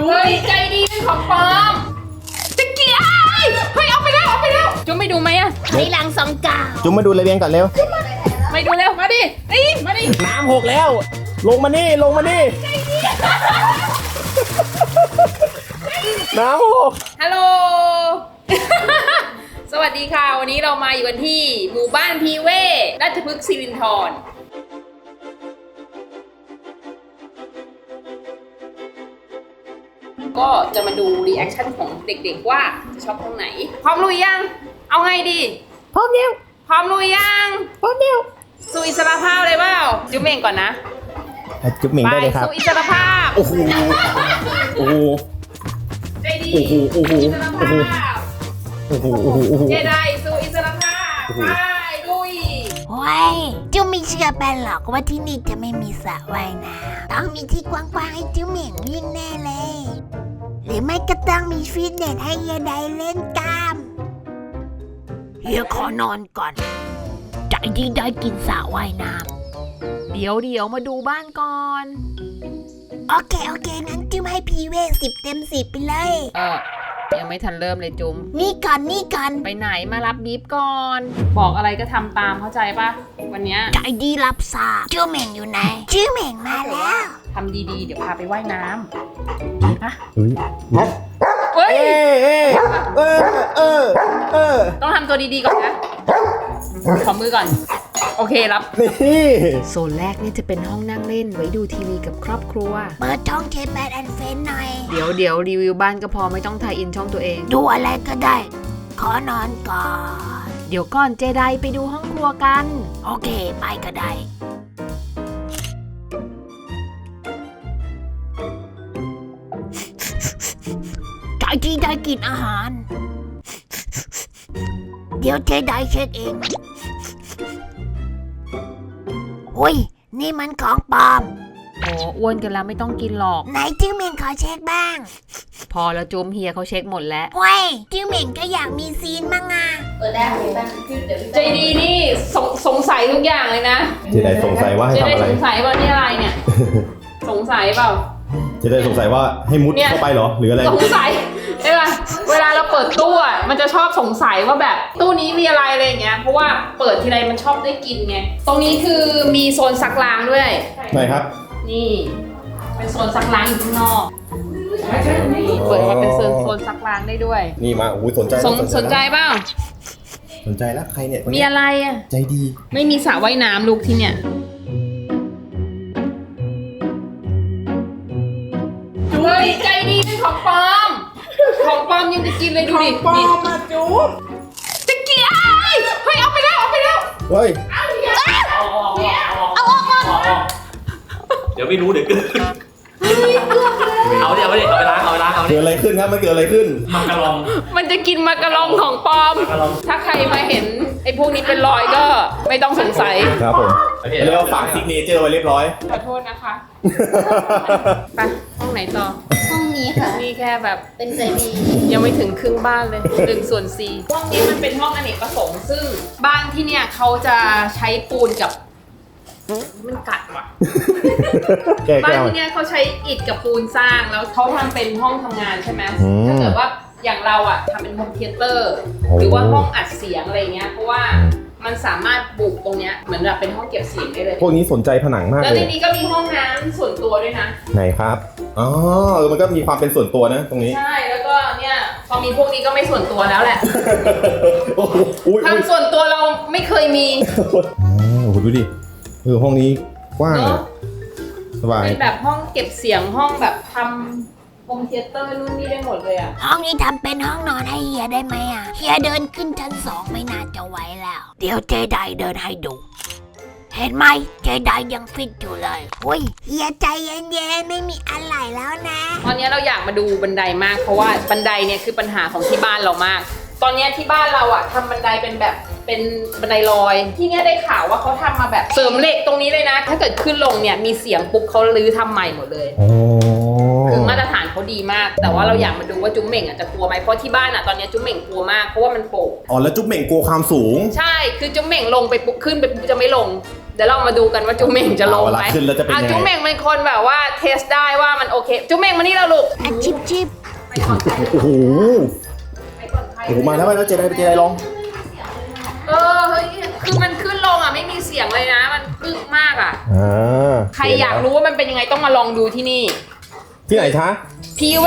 จุ๊บใจดีเป็นของปลอมตะเกียบเฮ้ยเอาไปแล้วจุ๊บไม่ดูไหมอะถอยหลัง2 ก้าวจุ๊บมาดูระเบียงก่อนเร็วไม่ดูเร็วมาดิมาดิน้ำหกแล้ว ลงมานี่น้ำหกฮัลโหล สวัสดีค่ะวันนี้เรามาอยู่กันที่หมู่บ้านพีเวราชพฤกษ์สิรินธรก็จะมาดูรีแอคชั่นของเด็กๆว่าจะชอบห้องไหนพร้อมลุยยังเอาไงดีพร้อมแล้วพร้อมลุยยังสู่อิสรภาพเลยเปล่าจุ๊บเองก่อนนะจุ๊บเหม่งได้เลยครับสู่อิสรภาพโอ้โหใจดีโอ้โหอิสรภาพ เจไดสู่อิสรภาพไปลุยโอ้ยเจ้าไม่เชื่อแปนหรอกว่าที่นี่จะไม่มีสระว่ายน้ำต้องมีที่กว้างๆให้เจ้าเหม่งวิ่งแน่เลย หรือไม่ก็ต้องมีฟิตเนสให้เฮียไดเล่นกล้ามเฮียขอนอนก่อนใจดีได้กินสระว่ายน้ำเดี๋ยวมาดูบ้านก่อนโอเคงั้นจิ้มให้พีเว10 เต็ม 10ไปเลยยังไม่ทันเริ่มเลยจุ๊มนี่ก่อนไปไหนมารับบีบก่อน บอกอะไรก็ทำตามเข้าใจปะวันเนี้ยใจดีรับสาชื่อเหม่งอยู่ไหนชื่อเหม่งมาแล้วทำดีๆเดี๋ยวพาไปว่ายน้ำฮะเฮ้ยเฮ้ยต้องทำตัวดีๆก่อนนะขอมือก่อนโอเครับนี่โซนแรกนี่จะเป็นห้องนั่งเล่นไว้ดูทีวีกับครอบครัวเปิดช่องเทปแบดแอนเฟนหน่อยเดี๋ยวรีวิวบ้านก็พอไม่ต้องถ่ายอินช่องตัวเองดูอะไรก็ได้ ขอนอนก่อนเดี๋ยวก่อนเจไดไปดูห้องครัวกันโอเคไปก็ได้ใจดีได้กินอาหาร เดี๋ยวเจไดเช็คเองอุ้ยนี่มันของปลอมโอ้อ้วนกันแล้วไม่ต้องกินหรอกไหนจิ้งเหม่งขอเช็คบ้างพอแล้วจุ๊มเฮียเขาเช็คหมดแล้วเว้ยจิ้งเหม่งก็อยากมีซีนบ้างอ่ะใจดีนี่สงสัยทุกอย่างเลยนะเจไดสงสัยว่าให้จะทำได้อะไรสงสัยว่านี่อะไรเนี่ย สงสัยเปล่าเจไดสงสัยว่าให้มุดเนี่ยเข้าไปเหรอหรืออะไรสงสัยใช่ป่ะเวลาเราเปิดตู้อ่ะมันจะชอบสงสัยว่าแบบตู้นี้มีอะไรอะไรอย่างเงี้ยเพราะว่าเปิดทีไรมันชอบได้กินไงตรงนี้คือมีโซนซักล้างด้วยไหนครับนี่เป็นโซนซักล้างอยู่ข้างนอกนี่เปิดมาเป็นโซนซักล้างได้ด้วยนี่มาโอ้ยสนใจสนใจเปล่าสนใจแล้วใครเนี่ยคนมีนี้อะไรอ่ะใจดีไม่มีสระว่ายน้ำลูกที่เนี่ยเฮ้ยใจดีเป็นของปลอมของปลอมยังจะกินเลยดูดิของปลอมมาจุ๊บตะเกียบเฮ้ยเอาไปแล้วเฮ้ยเดี๋ยวไม่รู้เดี๋ยวเกินเอาไปล้างเกิดอะไรขึ้นครับมันเกิดอะไรขึ้นมากระลองมันจะกินมากระลองของปลอม ถ้าใครมาเห็นไอ้พวกนี้เป็นรอยก็ไม่ต้องสงสัยครับผมเรียกว่าฝากซิกเนเจอร์ไว้เรียบร้อยขอโทษนะคะ ไปห้องไหนต่อห้องนี้ค่ะนี่แค่แบบเป็นใจดียังไม่ถึงครึ่งบ้านเลย1/4ห้องนี้มันเป็นห้องอเนกประสงค์ซึ่งบ้านที่เนี่ยเขาจะใช้ปูนกับมันกัดว่ะแก้บ้านแก้วที่เนี่ยเขาใช้อิฐกับปูนสร้างแล้วเขาทำเป็นห้องทำงานใช่ไหมอืมถ้าเกิดว่าอย่างเราอะทำเป็นโฮมเธียเตอร์โอ้หรือว่าห้องอัดเสียงอะไรเงี้ยเพราะว่ามันสามารถบุกตรงเนี้ยเหมือนแบบเป็นห้องเก็บเสียงได้เลยพวกนี้สนใจผนังมากแล้วเลในยนี้ก็มีห้องน้ำส่วนตัวด้วยนะไหนครับอ๋อมันก็มีความเป็นส่วนตัวนะตรงนี้ใช่แล้วก็เนี่ยพอมีพวกนี้ก็ไม่ส่วนตัวแล้วแหละโอ้โหอุ้ยทำส่วนตัวเราไม่เคยมีโอ้โหดูดิห้องนี้กว้างเนอะสบายเป็นแบบห้องเก็บเสียงห้องแบบทำโฮมเธียเตอร์นู่นนี่ได้หมดเลยอะห้องนี้ทำเป็นห้องนอนให้เฮียได้ไหมอ่ะ เฮียเดินขึ้นชั้น 2ไม่น่าจะไหวแล้ว เดี๋ยวเจไดเดินให้ดู เห็นไหมเจไดยังฟิตอยู่เลยอุ้ยเฮียใจเย็นๆไม่มีอะไรแล้วนะตอนนี้เราอยากมาดูบันไดมากเพราะว่าบันไดเนี่ยคือปัญหาของที่บ้านเรามาก ตอนนี้ที่บ้านเราอะทำบันไดเป็นแบบเป็นบันไดลอย ที่เนี่ยได้ข่าวว่าเขาทำมาแบบเสริมเหล็กตรงนี้เลยนะ ถ้าเกิดขึ้นลงเนี่ยมีเสียงปุ๊บเขาลื้อทำใหม่หมดเลยโอ้คือมาตรฐานเขาดีมาก แต่ว่าเราอยากมาดูว่าจุ๊มเหม่งอะจะกลัวไหมเพราะที่บ้านอะตอนนี้จุ๊มเหม่งกลัวมากเพราะว่ามันโป่งอ๋อแล้วจุ๊บเหม่งกลัวความสูงใช่คือจุ๊มเหม่งลงไปปุ๊บขึ้นไปปุ๊บจะไม่ลงเดี๋ยวเรามาดูกันว่าจุ๊มเม่งจะลงเวไหลาม ขึ้นแล้วจะเป็นยังไงจุ๊มเม่งเป็นคนแบบว่าเทสได้ว่ามันโอเคจุ๊มเม่งมานี่แล้วลูกอ่ะชิบชิบโอ้โหไปก่อนใครโอ้โหมาแล้วเจไดลองเฮ้ยคือมันขึ้นลงอ่ะไม่มีเสียงเลยนะ มันอึ้งมากอ่ะ ใครอยากรู้ว่ามันเป็นยังไงต้องมาลองดูที่นี่ที่ไหนคะพีเว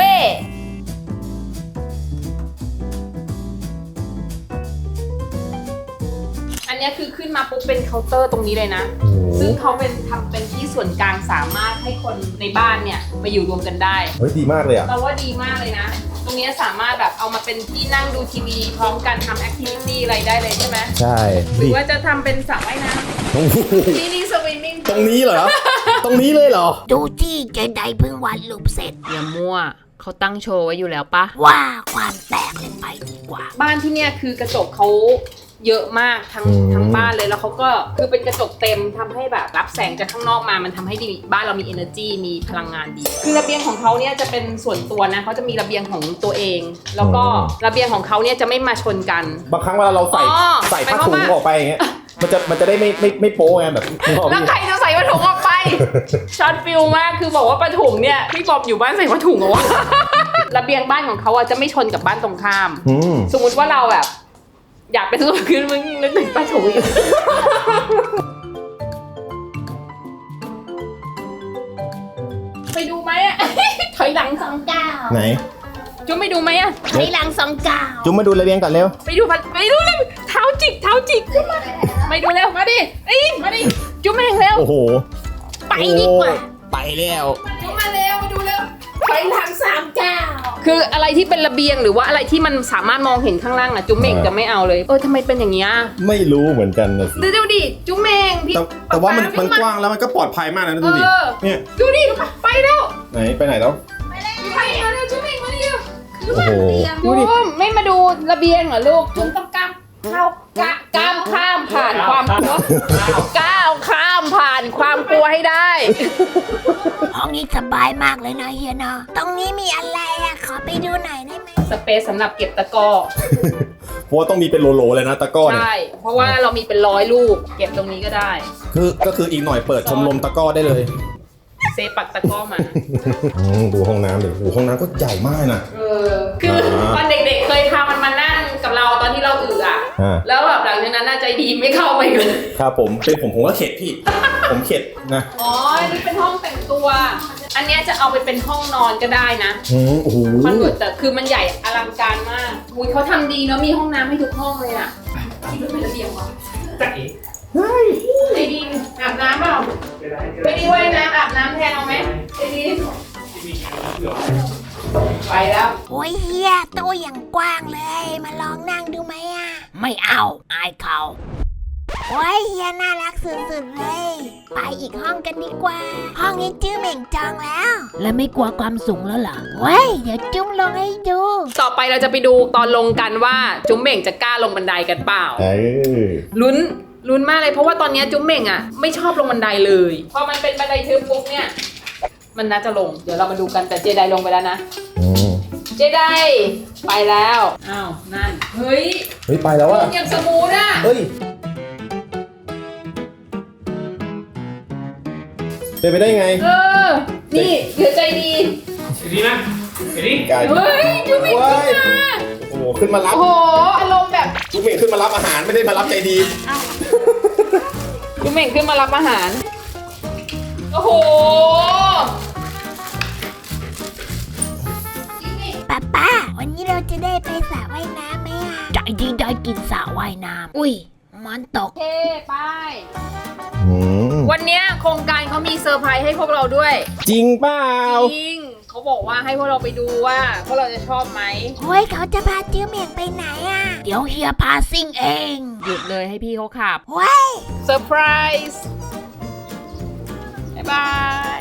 อันเนี้ยคือขึ้นมาปุ๊บเป็นเคาน์เตอร์ตรงนี้เลยนะโอ้โหซึ่งเขาทำเป็นที่ส่วนกลางสามารถให้คนในบ้านเนี่ยมาอยู่รวมกันได้เฮ้ยดีมากเลยอ่ะเราว่าดีมากเลยนะ ตรงเนี้ยสามารถแบบเอามาเป็นที่นั่งดูทีวีพร้อมกันทำแอคทิวิตี้อะไรได้เลยใช่ไหมใช่หรือว่าจะทำเป็นสระว่ายน้โอ้โหำนี่สวิมมิ่งตรงนี้เหรอ ตรงนี้เลยเหรอดูที่เจไดเพิ่งวาดรูปเสร็จอย่ามั่วเขาตั้งโชว์ไว้อยู่แล้วปะว่าความแตกเลยไปดีกว่าบ้านที่เนี่ยคือกระจกเขาเยอะมากทั้งบ้านเลยแล้วเขาก็คือเป็นกระจกเต็มทำให้แบบรับแสงจากข้างนอกมามันทำให้ดีบ้านเรามี energy มีพลังงานดี คือระเบียงของเขาเนี่ยจะเป็นส่วนตัวนะเขาจะมีระเบียงของตัวเอง แล้วก็ระเบียงของเขาเนี่ยจะไม่มาชนกันบางครั้งเวลาเราใส่อ๋อใส่ผ้าถุงออกไปอย่างเงี้ย มันจะได้ไม่โป๊ไงแบบนึกออกไหมแล้วใครจะใส่ผ้าถุงออกไป ช็อตฟิลมากคือบอกว่าผ้าถุงเนี่ยพี่บอบอยู่บ้านใส่ผ้าถุงเหรอวะ ระเบียงบ้านของเขาอะจะไม่ชนกับบ้านตรงข้าม สมมุติว่าเราแบบอยากเป็นส่วนขึ้นมึงนึกถึงผ้าถุงอีก ไปดูไหมอะ ถอยหลัง 29 ไหนจุ๊บไปดูไหมอะถอยหลัง29 จุ๊มมาดูระเบียงก่อนเร็วไปดูเลยเท้าจิกจุ๊บมาไปดูเร็วมาดิมาดิจุ๊บแม่งเร็วโอ้โหไปดีกว่าไปแล้วจุ๊บมาเร็วมาดูเร็วถอยหลัง39 คืออะไรที่เป็นระเบียงหรือว่าอะไรที่มันสามารถมองเห็นข้างล่างอะจุ๊บเม่งจะไม่เอาเลยทำไมเป็นอย่างนี้ยไม่รู้เหมือนกันนะสิดูดิจุ๊บเม่งพี่แต่ว่ามันป๊ากว้างแล้วมันก็ปลอดภัยมากนะดูดิ เนี่ยดูดิไปแล้วไหนไปไหนแล้วไปมาเร็วจุ๊บเม่งมาเร็วโอ้โหดูดิไม่มาดูระเบียงเหรอลูกจุ๊บต้องก้ามข้ามผ่านความกลัวก้าวข้ามผ่านความกลัวให้ได้ห้องนี้สบายมากเลยนะเฮียเนาะตรงนี้มีอะไรอะขอไปดูหน่อยได้ไหมสเปซสำหรับเก็บตะกร้อเพราะว่าต้องมีเป็นโลๆเลยนะตะกร้อเนี่ยใช่เพราะว่าเรามีเป็น100 ลูก เก็บตรงนี้ก็ได้ก็คืออีกหน่อยเปิดชมรมตะกร้อได้เลยเซฟปักตะกร้อมาดูห้องน้ำดิโอ้ห้องน้ำก็ใหญ่มากนะคือตอนเด็กๆเคยพามันมานั่งกับเราตอนที่เราอ่ะ แล้วแบบหลังจากนั้นน่าใจดีไม่เข้าไปเลยครับผมเป็นผมก็เข็ดพี่ ผมเข็ดนะอ๋ออันนี้เป็นห้องแต่งตัว อันเนี้ยจะเอาไปเป็นห้องนอนก็ได้นะโอ้โหคอนเวิร์ตแต่คือมันใหญ่อลังการมากอุ้ยเขาทำดีเนาะมีห้องน้ำให้ทุกห้องเลยอ่ะคิดว่าเป็นระเบียงวะจ๊ะเอ๋ไอ้ดีนอาบน้ำเปล่าไปดีไว้นะอาบน้ำแทนเอาไหมไอ้ดีนไปแล้วโอ้ยเฮียตัวอย่างกว้างเลยมาลองนั่งดูไหมอะไม่เอาอายเขาโอ้ยเฮียน่ารักสุดๆเลยไปอีกห้องกันดีกว่า ห้องนี้จื้อเหม่งจองแล้ว แล้วไม่กลัวความสูงแล้วเหรอเว้ยเดี๋ยวจุ้มลงให้ดูต่อไปเราจะไปดูตอนลงกันว่าจุ๊มเหม่งจะกล้าลงบันไดกันเปล่า ลุ้นมากเลยเพราะว่าตอนนี้จุ๊มเหม่งอ่ะไม่ชอบลงบันไดเลยพอมันเป็นบันไดทึบปุ๊บเนี่ยมันน่าจะลงเดี๋ยวเรามาดูกันแต่เจไดลงไปแล้วนะเจไดไปแล้วอ้าวนั่นเฮ้ยไปแล้วลอะงอย่างสมูทอ่ะเฮ้ยเป็นไปได้ไงนี่เหลือใจดีเห็นดีนะเห็นดีเฮ้ยจุ๊มเหม่งขึ้นมาโอ้โหขึ้นมารับโอ้โหอารมณ์แบบจุ๊บเม่งขึ้นมารับอาหารไม่ได้มารับใจดีจุ๊มเหม่งขึ้นมารับอาหารโอ้โหป้าวันนี้เราจะได้ไปสระว่ายน้ำไหมอะใจดีได้กินสระว่ายน้ำอุ้ยมันตกโอเคไป วันเนี้ยโครงการเขามีเซอร์ไพรส์ให้พวกเราด้วยจริงเปล่าจริงเขาบอกว่าให้พวกเราไปดูว่าพวกเราจะชอบไหมโอ้ยเขาจะพาจื้อเหม่งไปไหนอะเดี๋ยวเฮียพาซิ่งเองหยุดเลยให้พี่เขาขับเว้ยเซอร์ไพรส์บ๊ายบาย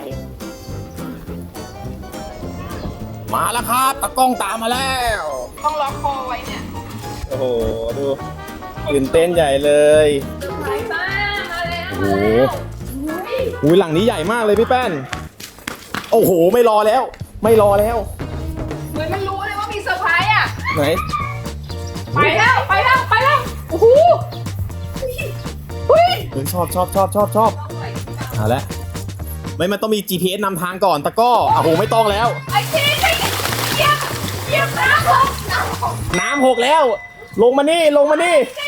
มาแล้วครับตะกล้องตามมาแล้วต้องล็อกคอไว้เนี่ยโอ้โหดูตื่นเต้นใหญ่เลยเซอร์ไพรส์มาแล้วโอ้โห อุ้ยหลังนี้ใหญ่มากเลยพี่แป้น โอ้โหไม่รอแล้วเหมือนมันรู้เลยว่ามีเซอร์ไพรส์อ่ะไหนไปแล้วโอ้โหเฮ้ยฮ้ยชอบเอาละไม่มันต้องมี GPS นำทางก่อนตะก้อโอ้โหไม่ต้องแล้วไอ้เจ๊เหยียบน้ำหกน้ำหกแล้ว ลงมานี่น้ำ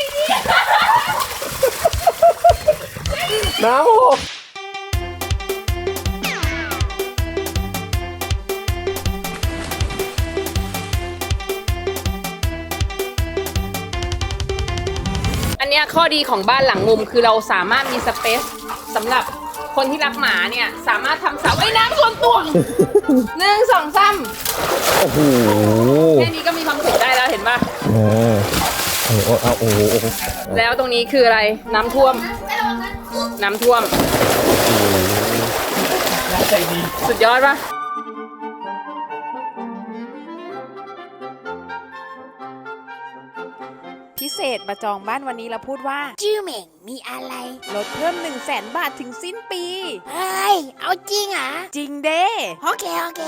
หกอันเนี้ยข้อดีของบ้านหลังมุมคือเราสามารถมีสเปซสำหรับคนที่รักหมาเนี่ยสามารถทำสระว่ายน้ำส่วนตัว 1 2 3 โอ้โหแค่นี้ก็มีความสุขได้แล้วเห็นป่ะโอ้โหแล้วตรงนี้คืออะไรน้ำท่วมใจดีสุดยอดป่ะพิเศษมาจองบ้านวันนี้แล้วพูดว่าจิ้วเหม่งมีอะไรลดเพิ่ม 100,000 บาทถึงสิ้นปีเฮ้ย เอาจริงเหรอจริงเด้โอเค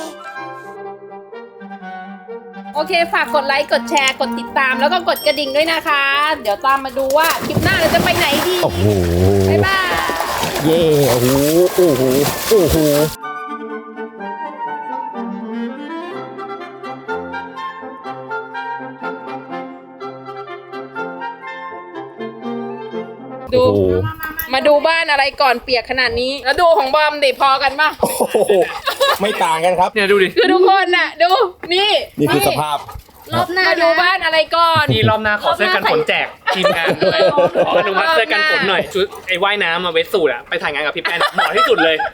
โอเคฝากกดไลค์กดแชร์กดติดตามแล้วก็กดกระดิ่งด้วยนะคะ เดี๋ยวตามมาดูว่าคลิปหน้าเราจะไปไหนดีโอ้โหบ๊ายบายเย่โอ้โหดูโอ้โหมาดูบ้านอะไรก่อนเปียกขนาดนี้ แล้วดูของบอมดิพอกันป่ะโอ้โหไม่ต่างกันครับเนี่ยดูดิคือทุกคนน่ะดูนี่นี่คือสภาพรอบหน้าดูบ้านอะไรก่อนนี่รอบหน้าขอเสื้อกันฝนแจกทีมงานด้วยขออนุมัติเสื้อกันฝนหน่อยชุดไอ้ว่ายน้ำมาเวสสูทอะไปถ่ายงานกับพี่แป้นเหมาะที่สุดเลย